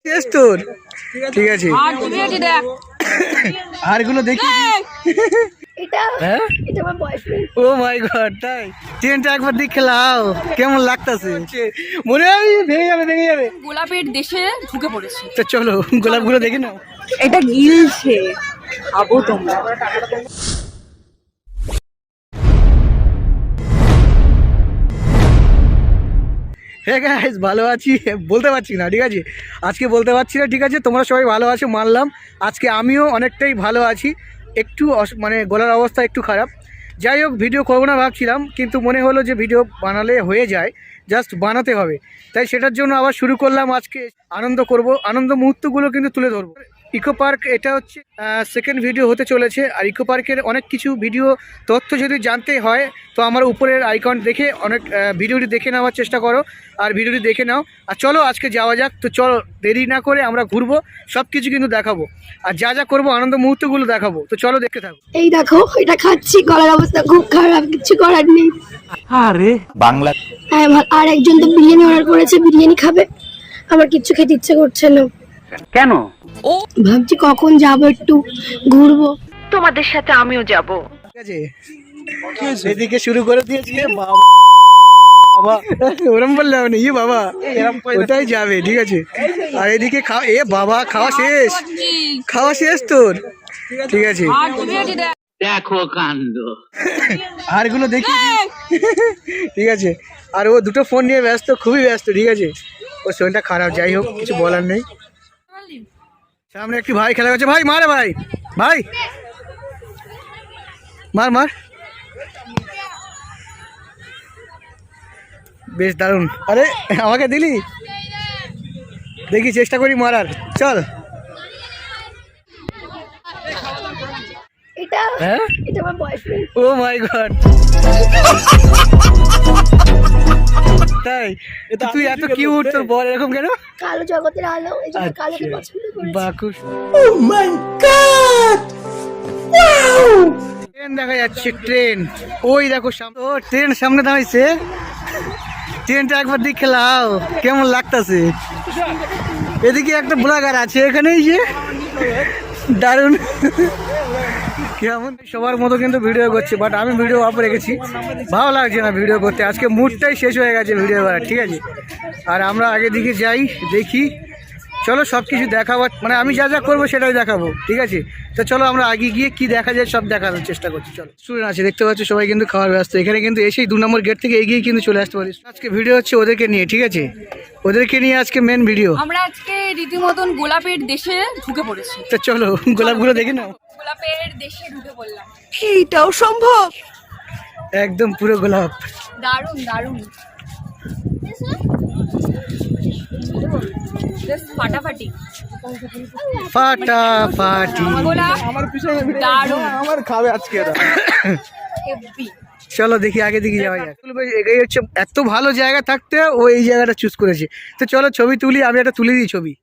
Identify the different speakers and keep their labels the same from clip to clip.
Speaker 1: তোর ঠিক আছে হারগুলো দেখি ও মাই গড তাই ট্রেনটা একবার দেখে লাও কেমন লাগতেছে মনে হয় ভেঙে যাবে
Speaker 2: গোলাপের দেশে ঢুকে পড়েছে।
Speaker 1: তো চলো গোলাপগুলো দেখে নাও।
Speaker 2: এটা গিলছে খাবো তোমরা।
Speaker 1: হ্যাঁ গাইস ভালো আছি বলতে পারছি না ঠিক আছে, আজকে বলতে পারছি না ঠিক আছে। তোমরা সবাই ভালো আছো মানলাম, আজকে আমিও অনেকটাই ভালো আছি। একটু মানে গলার অবস্থা একটু খারাপ। যাই হোক ভিডিও করবো না ভাবছিলাম, কিন্তু মনে হলো যে ভিডিও বানালে হয়ে যায়, জাস্ট বানাতে হবে, তাই সেটার জন্য আবার শুরু করলাম। আজকে আনন্দ করব, আনন্দ মুহূর্তগুলো কিন্তু তুলে ধরবো। ইকো পার্ক এটা হচ্ছে সেকেন্ড ভিডিও হতে চলেছে। আর ইকো পার্কের অনেক কিছু ভিডিও তথ্য যদি জানতে হয় তো আমার উপরের আইকন দেখে অনেক ভিডিওটি দেখে নেওয়ার চেষ্টা করো, আর ভিডিওটি দেখে নাও। আর চলো আজকে যাওয়া যাক। তো চলো দেরি না করে আমরা ঘুরবো, সব কিছু কিন্তু দেখাবো, আর যা যা করবো আনন্দ মুহূর্তগুলো দেখাবো। তো চলো দেখতে থাকো।
Speaker 3: এই দেখো এটা খাচ্ছি, গলার অবস্থা খুব খারাপ, কিছু করার নেই।
Speaker 4: আরে বাংলা
Speaker 3: আর একজন তো বিরিয়ানি অর্ডার করেছে, বিরিয়ানি খাবে, আমার কিচ্ছু খেতে ইচ্ছে করছে না।
Speaker 4: কেন?
Speaker 3: ভাবছি কখন যাবো, একটু ঘুরবো।
Speaker 2: তোমাদের সাথে আমিও যাব।
Speaker 1: ঠিক আছে এদিকে শুরু করে দিয়েছি বাবা বাবা, ওরম বললে হবে না, ইয়ে বাবা ওটাই যাবে ঠিক আছে। আর এদিকে এ বাবা খাওয়া শেষ তোর ঠিক আছে।
Speaker 4: দেখো কাণ্ড,
Speaker 1: হারগুলো দেখি ঠিক আছে। আর ও দুটো ফোন নিয়ে ব্যস্ত, খুবই ব্যস্ত ঠিক আছে। ওর শরীরটা খারাপ, যাই হোক কিছু বলার নেই। সামনে একটি ভাই খেলা করছে, ভাই মারে ভাই ভাই মার বেশ দারুণ। আরে আমাকে দিলি, দেখি চেষ্টা করি মারার, চল।
Speaker 3: এটা
Speaker 1: হ্যাঁ
Speaker 3: এটা আমার বয়ফ্রেন্ড।
Speaker 1: ও মাই গড তাই তুই এত কিউট, তোর বল এরকম কেন?
Speaker 3: কালো জগতের আলো, এই জন্য কালোকে পছন্দ করি।
Speaker 1: বাকুস oh my god wow, train দেখা যাচ্ছে, ট্রেন ওই দেখো সামনে। ও ট্রেন সামনে দাঁড়াইছে, ট্রেনটা একবার দেখে লাও কেমন লাগতেছে। এদিকে একটা ব্লগার আছে এখানেই, যে দারুণ কেমন সবার মতো কিন্তু ভিডিও করছে, বাট আমি ভিডিও অফ রেখেছি, ভালো লাগছে না ভিডিও করতে। আজকে মুডটাই শেষ হয়ে গেছে ভিডিও করার ঠিক আছে। আর আমরা আগে দিকে যাই, দেখি চলো সব কিছু দেখাবো, মানে আমি যা যা করবো সেটাই দেখাবো ঠিক আছে। তো চলো আমরা আগে গিয়ে কি দেখা যায় সব দেখানোর চেষ্টা করছি। চলো স্টুডেন্ট আছে দেখতে পাচ্ছ, সবাই কিন্তু খাওয়ার ব্যস্ত। এখানে কিন্তু এসেই 2 নম্বর গেট থেকে এগিয়ে কিন্তু চলে আসতে পারিস। আজকে ভিডিও হচ্ছে ওদেরকে নিয়ে ঠিক আছে, ওদেরকে নিয়ে আজকে মেন ভিডিও।
Speaker 2: আমরা আজকে রীতিমতন গোলাপের দেশে ঢুকে পড়েছি।
Speaker 1: তো চলো গোলাপগুলো দেখে নাও।
Speaker 2: গোলাপের দেশে ঢুকে পড়লাম,
Speaker 3: এইটাও সম্ভব?
Speaker 1: একদম পুরো গোলাপ,
Speaker 2: দারুণ দারুণ ফাটাফাটি
Speaker 1: ফাটাফাটি
Speaker 2: আমার
Speaker 1: খাবে আজকে। চলো দেখি আগে দিকে যাওয়া যায়। এটাই হচ্ছে এত ভালো জায়গা থাকতে ও এই জায়গাটা চুজ করেছে। তো চলো ছবি তুলি, আমি একটা তুলে দিই ছবি।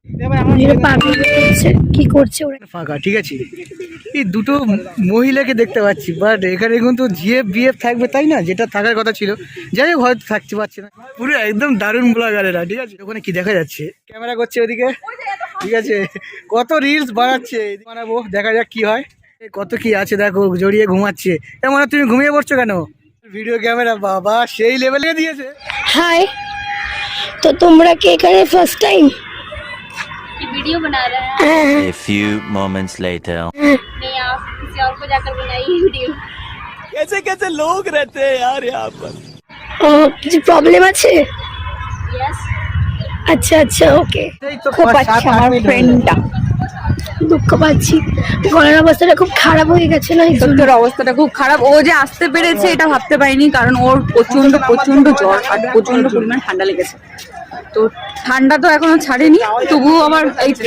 Speaker 3: কি করছে ওরা?
Speaker 1: ফাঁকা ঠিক আছে, এই দুটো মহিলাকে দেখতে পাচ্ছি, বাট এখানে কিন্তু জিএফ বিএফ থাকবে তাই না, যেটা থাকার কথা ছিল। যাই হোক হয়তো থাকতে পারছে না, পুরো একদম দারুণ ব্লগারেরা ঠিক আছে। ওখানে কি দেখা যাচ্ছে, ক্যামেরা করছে ওদিকে ঠিক আছে, কত রিলস বানাচ্ছে, বানাবো দেখা যাক কি হয়। কত কি আছে দেখো, জড়িয়ে ঘুমাচ্ছে। এমন তুমি ঘুমিয়ে পড়ছো কেন? ভিডিও ক্যামেরা বাবা সেই লেভেলে দিয়েছে।
Speaker 3: হাই, তো তোমরা কি এখানে ফার্স্ট টাইম?
Speaker 2: वीडियो बना रहे हैं।
Speaker 5: A few moments later.
Speaker 2: नहीं आप किसी और को जाकर बनाइए वीडियो।
Speaker 4: कैसे कैसे लोग रहते हैं यार यहाँ पर।
Speaker 3: ও কিছু প্রবলেম আছে?
Speaker 2: यस
Speaker 3: আচ্ছা আচ্ছা ওকে।
Speaker 2: খুব আচ্ছা আমার ফ্রেন্ডটা।
Speaker 3: দুঃখ পাচ্ছি, গলার অবস্থাটা খুব খারাপ হয়ে গেছে না?
Speaker 2: তোর অবস্থাটা খুব খারাপ, ও যে আসতে পেরেছে এটা ভাবতে পারিনি, কারণ ওর প্রচন্ড প্রচন্ড জ্বর আর প্রচন্ড পরিমাণ ঠান্ডা লেগেছে। তো ঠান্ডা তো এখনো ছাড়েনি, তবুও আমার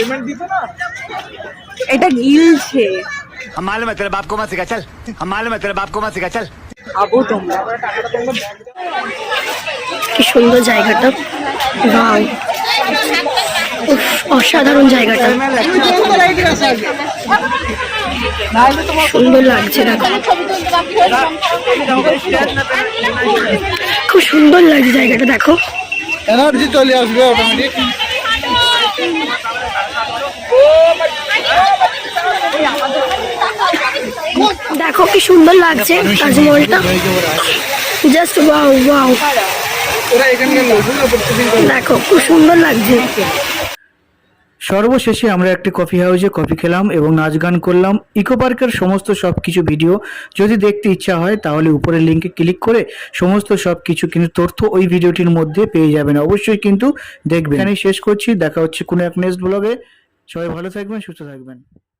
Speaker 2: এটা গিলছে।
Speaker 5: हम मालूम है तेरे बाप को मत सिखा चल, हम मालूम है तेरे बाप को मत सिखा चल।
Speaker 2: খাবো তোমরা।
Speaker 3: কি সুন্দর জায়গাটা, ওয়াও অসাধারণ জায়গাটা, সুন্দর লাগছে দেখো, খুব সুন্দর লাগছে জায়গাটা দেখো।
Speaker 1: এনার্জি চলে আসবে অটোমেটিক।
Speaker 3: কি সুন্দর লাগছে তাজমহলটা, জাস্ট ওয়াও ওয়াও। দেখো খুব সুন্দর লাগছে।
Speaker 1: সর্বশেষে আমরা একটি কফি হাউসে কফি খেলাম এবং নাচ গান করলাম। ইকো পার্কের সমস্ত সবকিছু ভিডিও যদি দেখতে ইচ্ছা হয় তাহলে উপরের লিঙ্কে ক্লিক করে সমস্ত সবকিছু কিন্তু তথ্য ওই ভিডিওটির মধ্যে পেয়ে যাবেন। অবশ্যই কিন্তু দেখবেন। এখানেই শেষ করছি, দেখা হচ্ছে কোনো এক নেক্সট ব্লগে। সবাই ভালো থাকবেন, সুস্থ থাকবেন।